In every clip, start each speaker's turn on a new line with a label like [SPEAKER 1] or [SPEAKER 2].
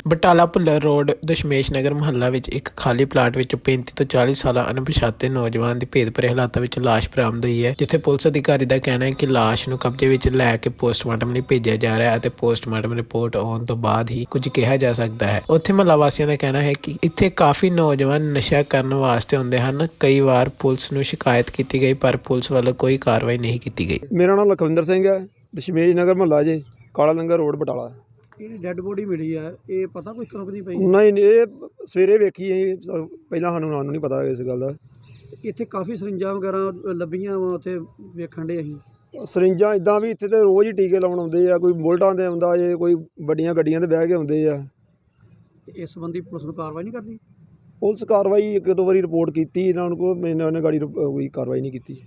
[SPEAKER 1] Batala Bhullar road Dashmesh Nagar ਮੁਹੱਲਾ ਵਿੱਚ ਇੱਕ ਖਾਲੀ ਪਲਾਟ ਵਿੱਚ 35 ਤੋਂ 40 ਸਾਲਾ ਅਣਪਛਾਤੇ ਨੌਜਵਾਨ ਦੀ ਭੇਦਭਰੇ ਹਾਲਾਤਾਂ ਵਿੱਚ ਲਾਸ਼ ਬਰਾਮਦ ਹੋਈ ਹੈ, ਜਿੱਥੇ ਪੁਲਿਸ ਅਧਿਕਾਰੀ ਦਾ ਕਹਿਣਾ ਹੈ ਕਿ ਲਾਸ਼ ਨੂੰ ਕਬਜ਼ੇ ਵਿੱਚ ਲੈ ਕੇ ਪੋਸਟਮਾਰਟਮ ਲਈ ਭੇਜਿਆ ਜਾ ਰਿਹਾ ਹੈ ਅਤੇ ਪੋਸਟਮਾਰਟਮ ਰਿਪੋਰਟ ਆਉਣ ਤੋਂ ਬਾਅਦ ਹੀ ਕੁਝ ਕਿਹਾ ਜਾ ਸਕਦਾ ਹੈ। ਉੱਥੇ ਮੁਹੱਲਾ ਵਾਸੀਆਂ ਦਾ ਕਹਿਣਾ ਹੈ ਕਿ ਇੱਥੇ ਕਾਫੀ ਨੌਜਵਾਨ ਨਸ਼ਾ ਕਰਨ ਵਾਸਤੇ ਆਉਂਦੇ ਹਨ। ਕਈ ਵਾਰ ਪੁਲਿਸ ਨੂੰ ਸ਼ਿਕਾਇਤ ਕੀਤੀ ਗਈ ਪਰ ਪੁਲਿਸ ਵੱਲੋਂ ਕੋਈ ਕਾਰਵਾਈ ਨਹੀਂ ਕੀਤੀ ਗਈ।
[SPEAKER 2] ਮੇਰਾ ਨਾਮ ਲਖਵਿੰਦਰ ਸਿੰਘ ਹੈ, ਦਸ਼ਮੇਸ਼ ਨਗਰ ਮੁਹੱਲਾ ਜੇ ਕਾਲਾ ਲੰਗਰ ਰੋਡ ਬਟਾਲਾ।
[SPEAKER 3] ਇਹ ਡੈੱਡ ਬੋਡੀ ਮਿਲੀ ਆ, ਇਹ ਪਤਾ ਕੋਈ ਕਰੋਕਦੀ ਪਈ?
[SPEAKER 2] ਨਹੀਂ, ਇਹ ਸਵੇਰੇ ਵੇਖੀ ਅਸੀਂ, ਪਹਿਲਾਂ ਸਾਨੂੰ ਨਹੀਂ ਪਤਾ ਇਸ ਗੱਲ ਦਾ।
[SPEAKER 3] ਇੱਥੇ ਕਾਫੀ ਸਰਿੰਜਾਂ ਵਗੈਰਾ ਲੱਭੀਆਂ ਵਾ, ਉੱਥੇ ਵੇਖਣ ਦੇ ਅਸੀਂ
[SPEAKER 2] ਸਰਿੰਜਾਂ ਇੱਦਾਂ ਵੀ ਇੱਥੇ ਤੇ ਰੋਜ਼ ਹੀ ਟੀਕੇ ਲਾਉਣ ਆਉਂਦੇ ਆ, ਕੋਈ ਬੁਲਟਾਂ 'ਤੇ ਆਉਂਦਾ ਜੇ, ਕੋਈ ਵੱਡੀਆਂ ਗੱਡੀਆਂ 'ਤੇ ਬਹਿ ਕੇ ਆਉਂਦੇ ਆ।
[SPEAKER 3] ਇਸ ਸੰਬੰਧੀ ਪੁਲਿਸ ਨੂੰ ਕਾਰਵਾਈ ਨਹੀਂ ਕਰਦੀ?
[SPEAKER 2] ਪੁਲਿਸ ਕਾਰਵਾਈ ਇੱਕ ਦੋ ਵਾਰੀ ਰਿਪੋਰਟ ਕੀਤੀ ਇਹਨਾਂ ਨੂੰ, ਉਹਨੇ ਗਾੜੀ ਕੋਈ ਕਾਰਵਾਈ ਨਹੀਂ ਕੀਤੀ।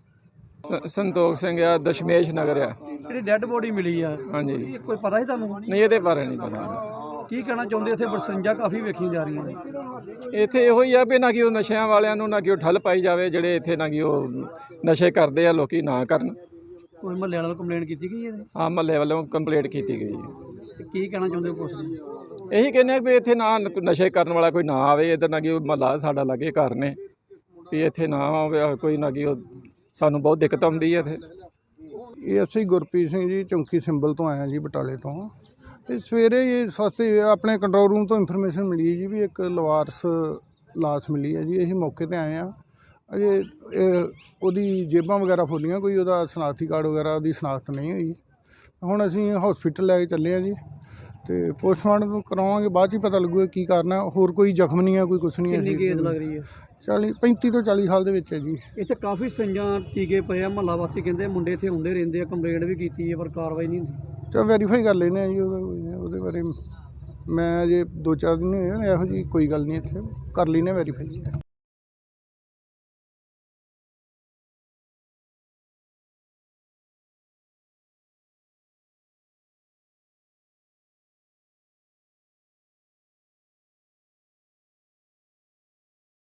[SPEAKER 4] ਸੰਤੋਖ ਸਿੰਘ ਆ, ਦਸ਼ਮੇਸ਼ ਨਗਰ ਆ।
[SPEAKER 3] ਜਿਹੜੀ ਡੈੱਡ ਬੋਡੀ ਮਿਲੀ ਆ,
[SPEAKER 4] ਹਾਂਜੀ,
[SPEAKER 3] ਇਹ ਕੋਈ ਪਤਾ ਹੀ ਤੁਹਾਨੂੰ?
[SPEAKER 4] ਨਹੀਂ ਇਹਦੇ ਬਾਰੇ ਨਹੀਂ ਪਤਾ।
[SPEAKER 3] ਕੀ ਕਹਿਣਾ ਚਾਹੁੰਦੇ? ਇੱਥੇ ਸਰਿੰਜਾਂ ਕਾਫੀ ਵੇਖੀਆਂ ਜਾ ਰਹੀਆਂ ਨੇ।
[SPEAKER 4] ਇੱਥੇ ਇਹੋ ਹੀ ਆ ਵੀ ਨਾ ਕਿ ਉਹ ਨਸ਼ਿਆਂ ਵਾਲਿਆਂ ਨੂੰ ਨਾ ਕਿ ਉਹ ਠੱਲ ਪਾਈ ਜਾਵੇ, ਜਿਹੜੇ ਇੱਥੇ ਨਾ ਕਿ ਉਹ ਨਸ਼ੇ ਕਰਦੇ ਆ ਲੋਕੀ ਨਾ ਕਰਨ।
[SPEAKER 3] ਕੋਈ ਮਹੱਲੇ ਵਾਲਿਆਂ ਨੂੰ ਕੰਪਲੇਂਟ ਕੀਤੀ ਗਈ ਹੈ?
[SPEAKER 4] ਹਾਂ, ਮਹੱਲੇ ਵੱਲੋਂ ਕੰਪਲੇਂਟ ਕੀਤੀ ਗਈ।
[SPEAKER 3] ਤੇ ਕੀ ਕਹਿਣਾ ਚਾਹੁੰਦੇ ਪੁਲਿਸ ਨੂੰ?
[SPEAKER 4] ਇਹੀ ਕਹਿੰਦੇ ਆ ਵੀ ਇੱਥੇ ਨਾ ਨਸ਼ੇ ਕਰਨ ਵਾਲਾ ਕੋਈ ਨਾ ਆਵੇ ਇੱਧਰ, ਨਾ ਕਿ ਮਹੱਲਾ ਸਾਡਾ ਲਾਗੇ ਘਰ ਨੇ, ਵੀ ਇੱਥੇ ਨਾ ਆਵੇ ਕੋਈ, ਨਾ ਕਿ ਉਹ ਸਾਨੂੰ ਬਹੁਤ ਦਿੱਕਤ ਆਉਂਦੀ ਹੈ ਇੱਥੇ।
[SPEAKER 5] ਇਹ ਅਸੀਂ ਗੁਰਪ੍ਰੀਤ ਸਿੰਘ ਜੀ, ਚੌਂਕੀ ਸਿੰਬਲ ਤੋਂ ਆਇਆ ਜੀ, ਬਟਾਲੇ ਤੋਂ। ਇਹ ਸਵੇਰੇ ਇਹ ਸਸਤੇ ਆਪਣੇ ਕੰਟਰੋਲ ਰੂਮ ਤੋਂ ਇਨਫੋਰਮੇਸ਼ਨ ਮਿਲੀ ਜੀ ਵੀ ਇੱਕ ਲਵਾਰਸ ਲਾਸ਼ ਮਿਲੀ ਹੈ ਜੀ। ਅਸੀਂ ਮੌਕੇ 'ਤੇ ਆਏ ਹਾਂ। ਅਜੇ ਉਹਦੀ ਜੇਬਾਂ ਵਗੈਰਾ ਫੋਲੀਆਂ, ਕੋਈ ਉਹਦਾ ਸ਼ਨਾਖਤੀ ਕਾਰਡ ਵਗੈਰਾ ਉਹਦੀ ਸ਼ਨਾਖਤ ਨਹੀਂ ਹੋਈ। ਹੁਣ ਅਸੀਂ ਹਸਪੀਟਲ ਲੈ ਕੇ ਚੱਲੇ ਹਾਂ ਜੀ, ਅਤੇ ਪੋਸਟਮਾਰਟਮ ਕਰਵਾਵਾਂਗੇ, ਬਾਅਦ 'ਚ ਹੀ ਪਤਾ ਲੱਗੂਗਾ ਕੀ ਕਾਰਨ ਹੈ। ਹੋਰ ਕੋਈ ਜ਼ਖਮ ਨਹੀਂ ਹੈ, ਕੋਈ ਕੁਛ ਨਹੀਂ ਹੈ।
[SPEAKER 3] ਕਿੰਨੀ ਏਜ ਲੱਗ ਰਹੀ ਹੈ?
[SPEAKER 5] 35 ਤੋਂ 40 ਸਾਲ ਦੇ ਵਿੱਚ ਹੈ ਜੀ।
[SPEAKER 3] ਇੱਥੇ ਕਾਫੀ ਸਰਿੰਜਾਂ ਟੀਕੇ ਪਏ ਆ, ਮੁਹੱਲਾ ਵਾਸੀ ਕਹਿੰਦੇ ਮੁੰਡੇ ਇੱਥੇ ਹੁੰਦੇ ਰਹਿੰਦੇ ਆ, ਕੰਪਲੇਂਟ ਵੀ ਕੀਤੀ ਹੈ ਪਰ ਕਾਰਵਾਈ ਨਹੀਂ ਹੁੰਦੀ।
[SPEAKER 5] ਚਲੋ ਵੈਰੀਫਾਈ ਕਰ ਲੈਂਦੇ ਹਾਂ ਜੀ, ਉਹਦੇ ਬਾਰੇ ਮੈਂ ਅਜੇ 2-4 ਦਿਨ ਹੋਏ ਇਹੋ ਜਿਹੀ ਕੋਈ ਗੱਲ ਨਹੀਂ, ਇੱਥੇ ਕਰ ਲੈਂਦੇ ਵੈਰੀਫਾਈ।